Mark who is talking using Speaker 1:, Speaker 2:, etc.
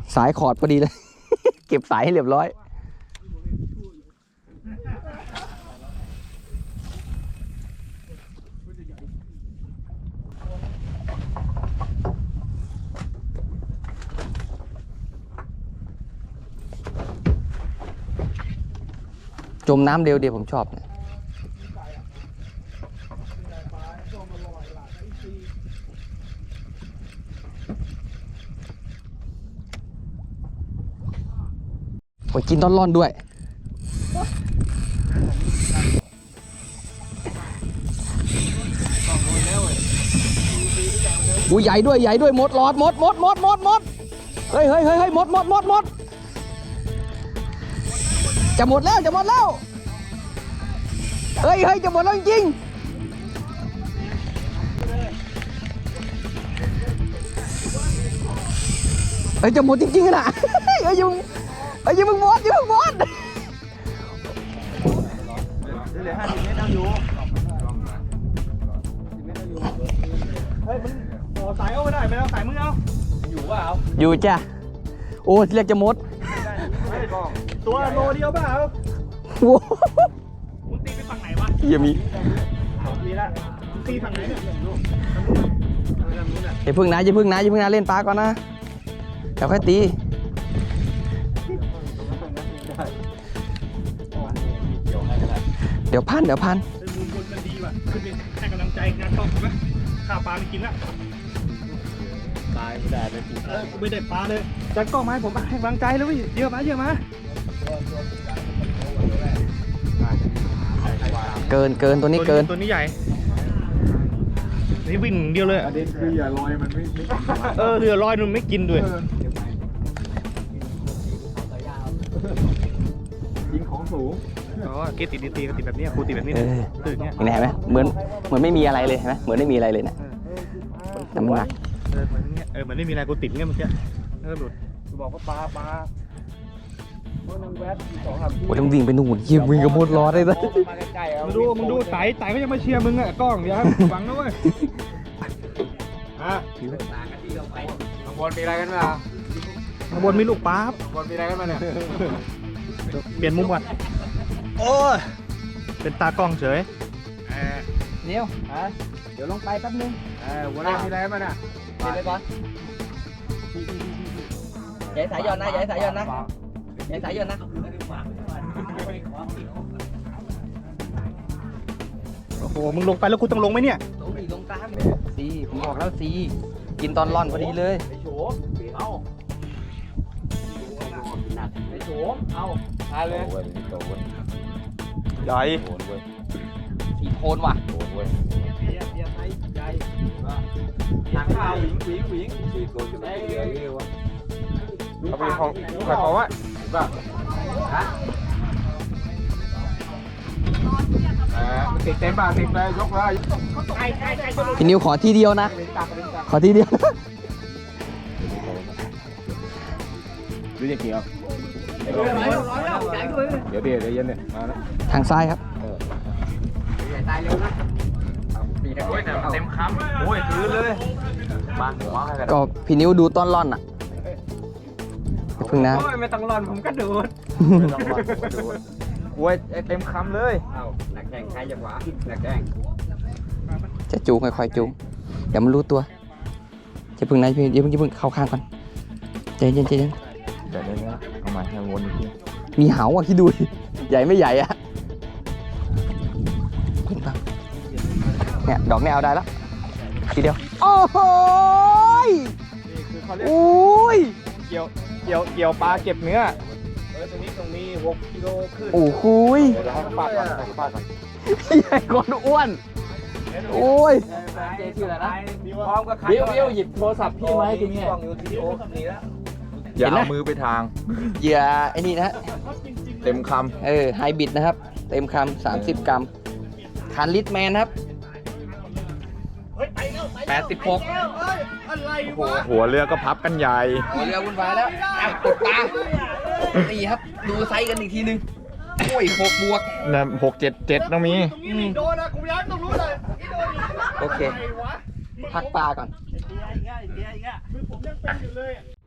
Speaker 1: สายขอดพอดีเลย เก็บสายให้เรียบร้อยจมน้ำเร็วเดียวผมชอบเนี่ยโอ้ยกินต้นร่อนด้วยอุ้ยใหญ่ด้วยหมดหลอดหมดเฮ้ยหมดจะหมดแล้วเฮ้ยจะหมดแล้วจริงเฮ้ยจะหมดจริงๆนะเฮ้ยอย่ามึงหมดเหลือ50 เมตรเอาอยู่เฮ้ยมึงต่อสายเอาไม่ได้ไม่เอาสายมึงเอาอยู่ว่าเอาอยู่จ้ะโอ้เรียกจะหมดตัวโลเดียวเปล่าโว้มึงตีไปฝั่งไหนวะยังมีละตีฝั่งไหนเนี่ยอย่าพึ่งนะเล่นปลาก่อนนะเดี๋ยวค่อยตีเดี๋ยวพันมุมบนมันดีว่ะขึ้นไปให้กำลังใจงานช่องถูกไหมข้าวปลาไม่กินละตายไม่ได้เลยไม่ได้ปลาเลยจัดกล้องมาให้ผมให้กำลังใจแล้วพี่เยอะมาเกินตัวนี้เกินตัวนี้ใหญ่นี่วิ่งเดียวเลยประเด็นคืออย่าลอยมันไม่เรือลอยมันไม่กินด้วยยิงของสูงอ๋อเกติดตีก็ติดแบบนี้ครูติดแบบนี้ตื่นเนี้ยเห็นไหมเหมือนไม่มีอะไรเลยเห็นไหมเหมือนไม่มีอะไรเลยนะน้ำหนักเหมือนไม่มีอะไรกูติดเงี้ยเมื่อกี้หลุดกูบอกว่าปลาโอ้ยต้องวิ่งไปนู่นวิ่งกับมดล้อได้เลยมึงดูไต่ก็ยังไม่เชียร์มึงอ่ะกล้องอย่าหวังนะเว้ยข้างบนมีอะไรกันมาข้างบนมีลูกปลาข้างบนมีอะไรกันมาเนี่ยเปลี่ยนมุมก่อนโอ้ยเป็นตากล้องเฉยเนี่ยเดี๋ยวลงไปแป๊บนึงหัวหน้ามีอะไรกันมาเนี่ยเดี๋ยวไปก่อนอย่าสายย้อนนะโอ้โหมึงลงไปแล้วกูต้องลงไหมเนี่ยลงตามซีผมบอกแล้วซีกินตอนร่อนพอดีเลยไอ้โฉมเอาทานเลยใหญ่สีโทนว่ะหนังข้าวหวิงสีโทนจะได้เยอะวะเอาไปของขายของวะมันติดเต็มป่ะติดไปยกเลยพี่นิวขอทีเดียวนะดูจะเกี่ยวเดี๋ยวเย็นเนี่ยมาแล้วทางซ้ายครับตายเร็วนะเต็มคำโอ้ยคืนเลยมาหัวก็พี่นิวดูต้นร่อนอ่ะพึ่งนะไม่ต้องร่อนผมก็ดูดโอ้ยเต็มคำเลยหนักแข่งใครจะหวาหนักแข่งจะจูงค่อยๆจูงเดี๋ยวมันรู้ตัวจะพึ่งนะอย่าพึ่งเข้าข้างก่อนใจเย็นเดี๋ยวนี้เอามาให้วนอีกทีมีเหาอ่ะคิดดูใหญ่ไม่ใหญ่อ่ะเนี่ยดอกนี้เอาได้แล้วทีเดียวโอ้โหโอ้ยเกี่ยวปลาเก็บเนื้อตรงนี้6 กิโลขึ้นโอ้โหปาดก่อนใหญ่กว่าอ้วนโอ้ยเจ๊ชื่ออะไรนะพร้อมกับใครบิวหยิบโทรศัพท์พี่มาให้คุณเนี่ยอย่าเอามือไปทางเหยื่อไอ้นี่นะเต็มคำไฮบริดนะครับเต็มคำ30 กรัมคันลิตแมนครับ86หัวเรือก็พับกันใหญ่หัวเรือวุ่นวายแล้วกดตานี่ครับดูไซส์กันอีกทีนึงโอ้ย6 บวกนะ677ต้องมีโดนนะกูย้ำต้องรู้เลยโอเคพักปลาก่อนผมยังเป็นอยู่เลย